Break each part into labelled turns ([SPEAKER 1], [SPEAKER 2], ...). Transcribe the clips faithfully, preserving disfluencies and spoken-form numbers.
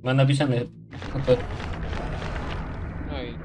[SPEAKER 1] Ma napisane. Okej.
[SPEAKER 2] No i...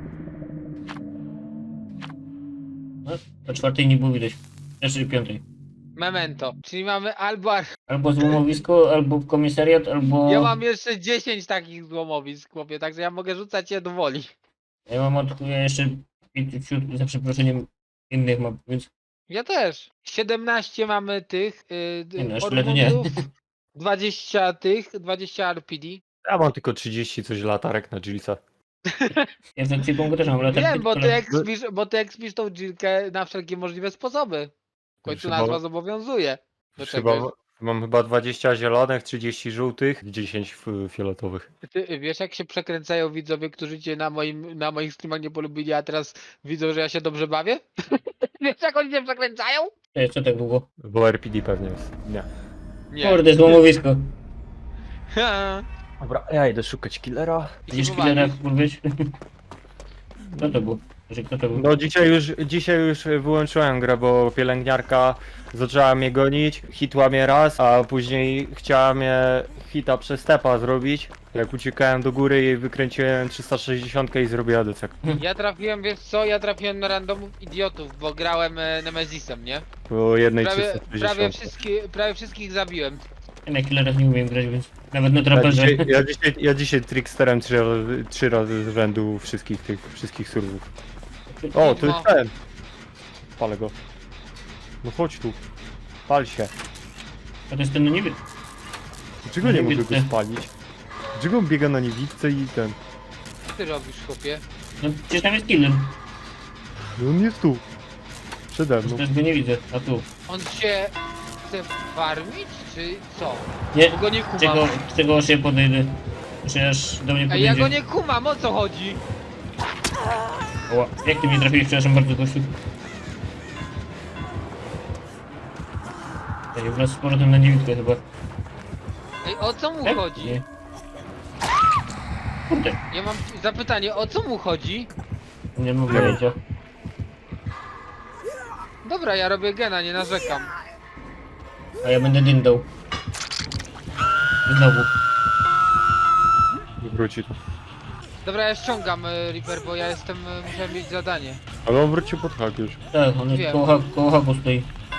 [SPEAKER 1] No, o czwartej nie było widać. Znaczy piątej.
[SPEAKER 2] Memento. Czyli mamy albo... ar-
[SPEAKER 1] Albo złomowisko, albo komisariat, albo...
[SPEAKER 2] Ja mam jeszcze dziesięć takich złomowisk, chłopie, także ja mogę rzucać je do woli.
[SPEAKER 1] Ja mam od... Ja jeszcze pięćdziesiąt, za przeproszeniem, innych mam, więc...
[SPEAKER 2] Ja też. siedemnaście mamy tych
[SPEAKER 1] Nie no,
[SPEAKER 2] yy,
[SPEAKER 1] jeszcze lepiej nie.
[SPEAKER 2] ormundów, dwadzieścia tych, dwadzieścia R P D.
[SPEAKER 3] Ja mam tylko trzydzieści coś latarek na Jillsa.
[SPEAKER 1] Ja w ekwipunku też mam latarki,
[SPEAKER 2] Wiem, bo
[SPEAKER 1] tylko
[SPEAKER 2] ty
[SPEAKER 1] le-
[SPEAKER 2] ekspisz, bo ty ekspisz tą dżilkę na wszelkie możliwe sposoby. W końcu
[SPEAKER 3] Chyba-
[SPEAKER 2] nazwa zobowiązuje do
[SPEAKER 3] Chyba,
[SPEAKER 2] czegoś.
[SPEAKER 3] mam chyba dwadzieścia zielonych, trzydzieści żółtych, dziesięć f- fioletowych.
[SPEAKER 2] Ty wiesz, jak się przekręcają widzowie, którzy cię na, moim, na moich streamach nie polubili, a teraz widzą, że ja się dobrze bawię? Wiesz, jak oni się przekręcają?
[SPEAKER 1] To jeszcze tak długo.
[SPEAKER 3] Bo R P D pewnie jest. Nie.
[SPEAKER 2] Nie.
[SPEAKER 1] Kurde, złomowisko.
[SPEAKER 3] Dobra, ja idę szukać killera.
[SPEAKER 2] I
[SPEAKER 1] Będziesz
[SPEAKER 2] się
[SPEAKER 1] killera
[SPEAKER 2] pobawić.
[SPEAKER 1] kurwić? Kto to był? Że kto to był?
[SPEAKER 3] No dzisiaj już, dzisiaj już wyłączyłem grę, bo pielęgniarka zaczęła mnie gonić, hitła mnie raz, a później chciała mnie hita przez stepa zrobić. Jak uciekałem do góry i wykręciłem trzysta sześćdziesiąt i zrobiła decek.
[SPEAKER 2] Ja trafiłem, wiesz co, ja trafiłem na randomów idiotów, bo grałem e, Nemezisem, nie?
[SPEAKER 3] Po jednej
[SPEAKER 2] Prawie,
[SPEAKER 3] trzysta
[SPEAKER 2] prawie,
[SPEAKER 3] sześćdziesiąt.
[SPEAKER 2] wszystkie, prawie wszystkich zabiłem.
[SPEAKER 1] Ja na killerach nie umiem grać, więc nawet na
[SPEAKER 3] Ja
[SPEAKER 1] traperze.
[SPEAKER 3] dzisiaj, ja, dzisiaj, ja dzisiaj tricksterem trzy, razy- trzy razy z rzędu wszystkich tych, wszystkich surwów. O, to jest ten! Palę go. No chodź tu. Pal się.
[SPEAKER 1] A to jest ten no niby.
[SPEAKER 3] Dlaczego nie mogę go
[SPEAKER 1] Niewidce.
[SPEAKER 3] spalić? Dlaczego on biega na niewidce i ten...
[SPEAKER 2] Co ty robisz, chłopie?
[SPEAKER 1] No przecież tam jest killer.
[SPEAKER 3] No on jest tu. Przede mną.
[SPEAKER 1] Też go nie widzę. A tu.
[SPEAKER 2] On się chce farmić, czy co?
[SPEAKER 1] Nie.
[SPEAKER 2] Bo go nie
[SPEAKER 1] Czego,
[SPEAKER 2] kumam.
[SPEAKER 1] czego aż ja podejdę? Czy aż do mnie
[SPEAKER 2] Ej,
[SPEAKER 1] podejdzie?
[SPEAKER 2] ja go nie kumam, o co chodzi?
[SPEAKER 1] Oła. Jak ty mnie trafiłeś? Przepraszam bardzo, gościu. Ej, wraz z powrotem na niewidkę chyba.
[SPEAKER 2] Ej, o co mu
[SPEAKER 1] Tak?
[SPEAKER 2] chodzi?
[SPEAKER 1] Nie. Kurde.
[SPEAKER 2] Ja mam zapytanie, o co mu chodzi?
[SPEAKER 1] Nie mam pojęcia.
[SPEAKER 2] Dobra, ja robię gena, nie narzekam.
[SPEAKER 1] A ja będę dyndał. Znowu.
[SPEAKER 3] Wróci tu.
[SPEAKER 2] Dobra, ja ściągam y, Reaper, bo ja jestem, y, musiałem mieć zadanie.
[SPEAKER 3] Ale on wrócił pod hak już.
[SPEAKER 1] Tak, on jest
[SPEAKER 2] Wiem.
[SPEAKER 1] koło, ha koło haku stoi.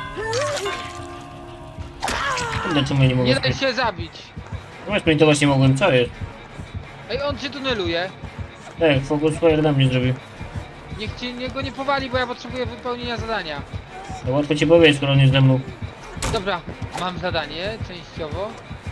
[SPEAKER 1] Kurde, czemu ja nie mogę
[SPEAKER 2] Nie daj
[SPEAKER 1] sprintować?
[SPEAKER 2] się zabić.
[SPEAKER 1] No sprintować nie mogłem, co jest?
[SPEAKER 2] Ej, on cię tuneluje.
[SPEAKER 1] Tak, focus fire na mnie zrobił.
[SPEAKER 2] Niech cię niech go nie powali, bo ja potrzebuję wypełnienia zadania.
[SPEAKER 1] No łatwo ci powiedzieć, skoro on jest ze mną.
[SPEAKER 2] Dobra, mam zadanie, częściowo.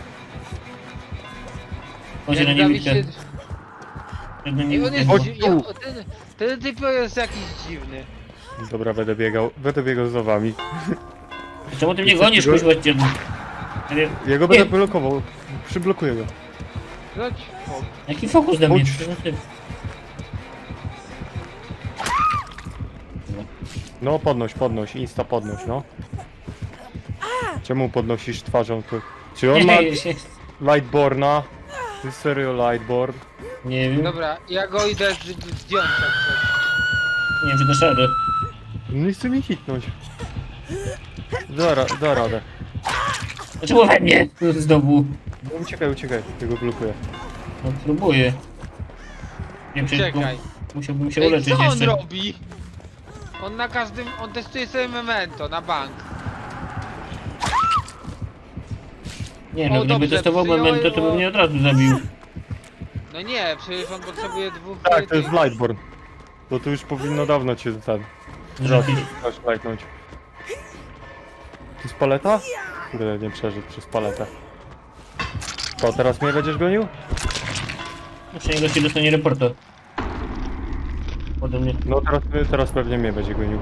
[SPEAKER 1] Chodź na
[SPEAKER 2] Jak
[SPEAKER 1] niewidkę.
[SPEAKER 2] Dawid się...
[SPEAKER 1] Na
[SPEAKER 2] Ej, on
[SPEAKER 1] niewidkę.
[SPEAKER 2] jest...
[SPEAKER 3] Chodź
[SPEAKER 2] dzi-
[SPEAKER 3] tu.
[SPEAKER 2] ja, ten, ten typ jest jakiś dziwny.
[SPEAKER 3] Dobra, będę biegał. Będę biegał za wami.
[SPEAKER 1] Czemu ty mnie
[SPEAKER 3] Co
[SPEAKER 1] gonisz,
[SPEAKER 3] ty go-
[SPEAKER 1] kuźwa cię? Ale
[SPEAKER 3] Ja go będę blokował. Przyblokuję go.
[SPEAKER 2] Chodź, o,
[SPEAKER 1] jaki fokus na mnie?
[SPEAKER 3] Chodź.
[SPEAKER 1] Przecież ty-
[SPEAKER 3] No podnoś, podnoś. Insta podnoś, no. Czemu podnosisz twarzą tu? Czy on ma Lightborna? Ty serio Lightborn?
[SPEAKER 1] Nie wiem,
[SPEAKER 2] Dobra, ja go idę z- z- zdjąć jak coś.
[SPEAKER 1] nie wiem czy dasz radę.
[SPEAKER 3] Nie chce mi hitnąć. Da, ra- da radę.
[SPEAKER 1] Dlaczego we mnie? Znowu.
[SPEAKER 3] No, uciekaj, uciekaj. Ja go blokuję.
[SPEAKER 1] No próbuję. Nie przecież
[SPEAKER 2] Czekaj.
[SPEAKER 1] musiałbym się
[SPEAKER 2] Ej,
[SPEAKER 1] uleczyć
[SPEAKER 2] co on
[SPEAKER 1] jeszcze.
[SPEAKER 2] robi? On na każdym... on testuje sobie memento na bank.
[SPEAKER 1] Nie no,
[SPEAKER 2] O,
[SPEAKER 1] gdyby
[SPEAKER 2] dobrze,
[SPEAKER 1] testował
[SPEAKER 2] przyjąłem,
[SPEAKER 1] memento, to
[SPEAKER 2] o-
[SPEAKER 1] by mnie od razu zabił.
[SPEAKER 2] No nie, przecież on potrzebuje dwóch...
[SPEAKER 3] Tak, to jest
[SPEAKER 2] tych-
[SPEAKER 3] Lightborn. Bo to już powinno dawno cię ten... Raz, raz lightnąć. To jest paleta? Kurde, nie przeżyć przez paletę. To teraz mnie będziesz gonił?
[SPEAKER 1] Jeszcze niego się dostanie reporta. Ode mnie.
[SPEAKER 3] No teraz, teraz pewnie mnie będzie gonił.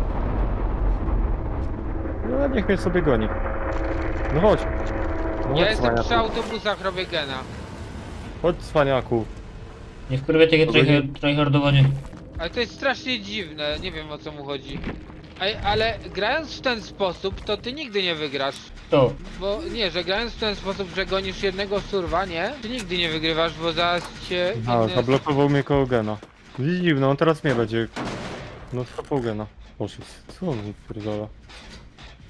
[SPEAKER 3] No niech mnie sobie goni. No chodź. No
[SPEAKER 2] Ja
[SPEAKER 3] chodź,
[SPEAKER 2] jestem przy
[SPEAKER 3] cwaniaku.
[SPEAKER 2] autobusach, robię gena.
[SPEAKER 3] Chodź, cwaniaku.
[SPEAKER 1] Nie wkurwia takie
[SPEAKER 3] Dobra, nie-
[SPEAKER 1] tryhard- tryhardowanie.
[SPEAKER 2] Ale to jest strasznie dziwne, nie wiem o co mu chodzi. Ej, ale grając w ten sposób, to ty nigdy nie wygrasz.
[SPEAKER 1] To.
[SPEAKER 2] Bo nie, że grając w ten sposób, że gonisz jednego surwa, nie? Ty nigdy nie wygrywasz, bo zaraz cię...
[SPEAKER 3] A,
[SPEAKER 2] inny-
[SPEAKER 3] zablokował mnie koło gena. Dziwno, on teraz mnie będzie... No schapał gena. Boże, co on mi pierdala?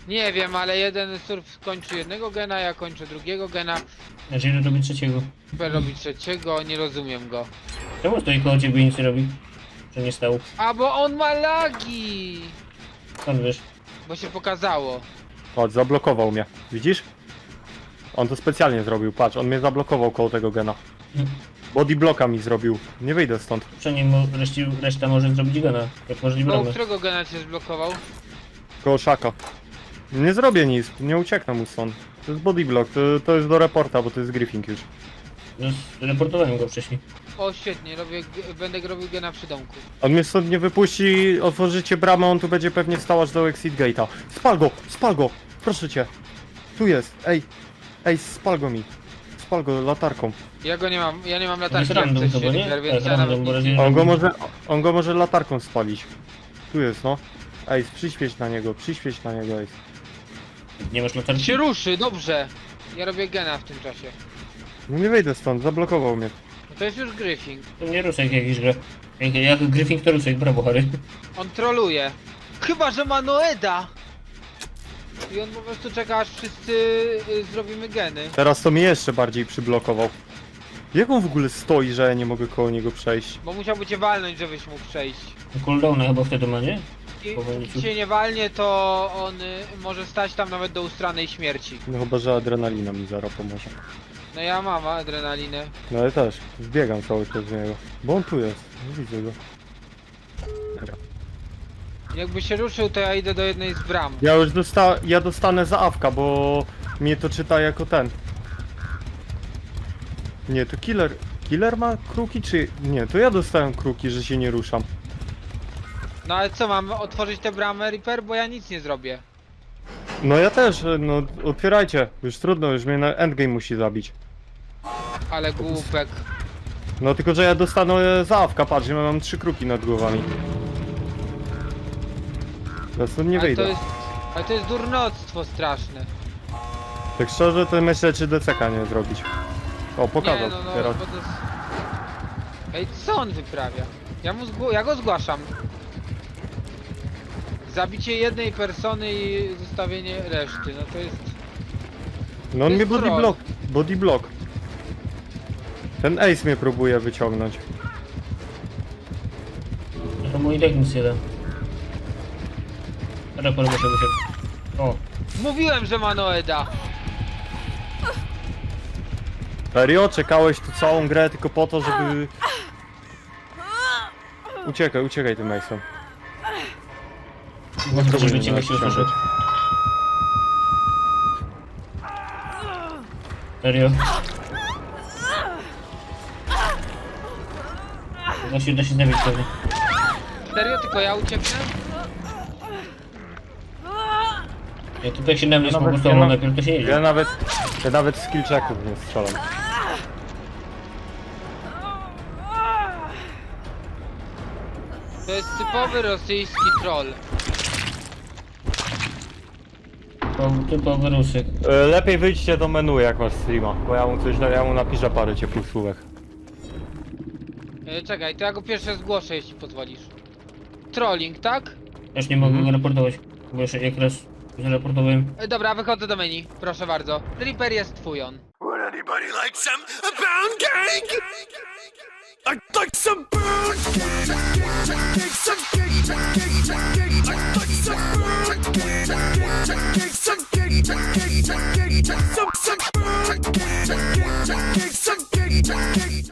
[SPEAKER 2] Nie wiem, ale jeden surf kończy jednego gena, ja kończę drugiego gena.
[SPEAKER 1] Znaczy, robi trzeciego.
[SPEAKER 2] Super robi trzeciego, nie rozumiem go.
[SPEAKER 1] Czemu stoi koło ciebie i nic nie robi? Że nie stał?
[SPEAKER 2] A bo on ma lagi!
[SPEAKER 1] Skąd wiesz?
[SPEAKER 2] Bo się pokazało.
[SPEAKER 3] Chodź, zablokował mnie. Widzisz? On to specjalnie zrobił, patrz, on mnie zablokował koło tego gena. Body blocka mi zrobił. Nie wyjdę stąd.
[SPEAKER 1] Przynajmniej mo- reszci, reszta może zrobić gana. Jak możli
[SPEAKER 2] Koło
[SPEAKER 1] bramę.
[SPEAKER 2] którego gena cię zblokował?
[SPEAKER 3] Koło szaka. Nie zrobię nic, nie ucieknę mu stąd. To jest body block, to, to jest do reporta, bo to jest griffing już.
[SPEAKER 1] No, reportowałem go wcześniej.
[SPEAKER 2] O świetnie, robię, g- będę robił gena przy domku.
[SPEAKER 3] On mnie stąd nie wypuści, otworzycie bramę, on tu będzie pewnie stał aż do exit gate'a. Spal go, spal go, proszę cię. Tu jest, ej, ej, spal go mi. Spal go latarką.
[SPEAKER 2] Ja go nie mam, ja nie mam
[SPEAKER 1] jest
[SPEAKER 2] latarki jak
[SPEAKER 1] random
[SPEAKER 2] coś
[SPEAKER 1] chyba, nie?
[SPEAKER 2] Reaper, więc
[SPEAKER 1] Tak,
[SPEAKER 2] ja
[SPEAKER 1] random,
[SPEAKER 2] nawet
[SPEAKER 1] bo
[SPEAKER 2] nic
[SPEAKER 1] razie-
[SPEAKER 2] nie...
[SPEAKER 3] On go może, on go może latarką spalić. Tu jest, no. Ej, przyświeć na niego, przyświeć na niego, ej.
[SPEAKER 1] Nie masz latarki?
[SPEAKER 2] się ruszy, dobrze. Ja robię gena w tym czasie.
[SPEAKER 3] No nie wyjdę stąd, zablokował mnie.
[SPEAKER 2] No to jest już Griffing.
[SPEAKER 1] To nie ruszaj jak jakiś gra. Jak, jak Griffin to ruszaj, brawo Harry.
[SPEAKER 2] On troluje. Chyba, że ma Noeda! I on po prostu czeka, aż wszyscy y, zrobimy geny.
[SPEAKER 3] Teraz to mnie jeszcze bardziej przyblokował. Jak on w ogóle stoi, że ja nie mogę koło niego przejść?
[SPEAKER 2] Bo musiałby cię walnąć, żebyś mógł przejść.
[SPEAKER 1] Cooldowna chyba wtedy ma, nie?
[SPEAKER 2] I
[SPEAKER 1] Powoli
[SPEAKER 2] jeśli cię nie walnie, to on y, może stać tam nawet do ustranej śmierci.
[SPEAKER 3] No chyba, że adrenalina mi zaraz pomoże.
[SPEAKER 2] No ja mam adrenalinę.
[SPEAKER 3] No ale też, zbiegam cały czas z niego. Bo on tu jest, nie widzę go. Dobra.
[SPEAKER 2] Jakby się ruszył, to ja idę do jednej z bram.
[SPEAKER 3] Ja już dosta ja dostanę za awka, bo mnie to czyta jako ten. Nie, to killer. Killer ma kruki czy... Nie, to ja dostałem kruki, że się nie ruszam.
[SPEAKER 2] No ale co, mam otworzyć tę bramę, Reaper? Bo ja nic nie zrobię.
[SPEAKER 3] No ja też, no otwierajcie. Już trudno, już mnie na endgame musi zabić.
[SPEAKER 2] Ale głupek.
[SPEAKER 3] No tylko, że ja dostanę za awka, patrz, ja mam trzy kruki nad głowami. Ja stąd nie
[SPEAKER 2] ale
[SPEAKER 3] wyjdę.
[SPEAKER 2] to jest, ale to jest durnoctwo straszne.
[SPEAKER 3] Tak szczerze, to myślę, czy D C K nie zrobić. O,
[SPEAKER 2] Nie,
[SPEAKER 3] pokazał
[SPEAKER 2] no, no,
[SPEAKER 3] teraz.
[SPEAKER 2] bo to jest... Ej, co on wyprawia? Ja, mu zgło- ja go zgłaszam. Zabicie jednej persony i zostawienie reszty, no to jest...
[SPEAKER 3] No on
[SPEAKER 2] to
[SPEAKER 3] mnie
[SPEAKER 2] jest
[SPEAKER 3] body
[SPEAKER 2] troll.
[SPEAKER 3] block, body block. Ten ace mnie próbuje wyciągnąć.
[SPEAKER 1] To mój deck nic nie da. Rapor muszę wyszedł. O,
[SPEAKER 2] Mówiłem, że ma Noeda!
[SPEAKER 3] Serio? Czekałeś tu całą grę tylko po to, żeby... Uciekaj, uciekaj tym ace'em.
[SPEAKER 1] może
[SPEAKER 3] Spróbuj
[SPEAKER 1] być
[SPEAKER 3] mnie
[SPEAKER 1] ciebie się
[SPEAKER 3] ściągać.
[SPEAKER 1] usłyszeć. Serio? Da się, da się zabić pewnie.
[SPEAKER 2] Serio? Tylko ja ucieknę?
[SPEAKER 1] Ja tutaj się na mnie
[SPEAKER 3] Ja nawet-
[SPEAKER 1] sfokusował,
[SPEAKER 3] ja na-
[SPEAKER 1] najpierw to się
[SPEAKER 3] Ja
[SPEAKER 1] jedzie.
[SPEAKER 3] nawet... Ja nawet skill checków nie strzelam.
[SPEAKER 2] To jest typowy rosyjski troll.
[SPEAKER 1] To typowy ruszyk.
[SPEAKER 3] E, Lepiej wyjdźcie do menu jak masz streama, bo ja mu coś, ja mu napiszę parę ciepłych słówek.
[SPEAKER 2] E, czekaj, to ja go pierwsze zgłoszę, jeśli pozwolisz. Trolling, tak?
[SPEAKER 1] Też nie mogę
[SPEAKER 3] Mhm.
[SPEAKER 1] go raportować, bo jeszcze jak raz zaraportowałem.
[SPEAKER 2] E, dobra, wychodzę do menu, proszę bardzo. Reaper jest twój on.
[SPEAKER 4] Would anybody like some a pound cake? I'd like some pound cake. Cake, some cake, cake, cake. I'd like some pound cake. Cake, some cake, cake, cake. Some some pound cake. Cake,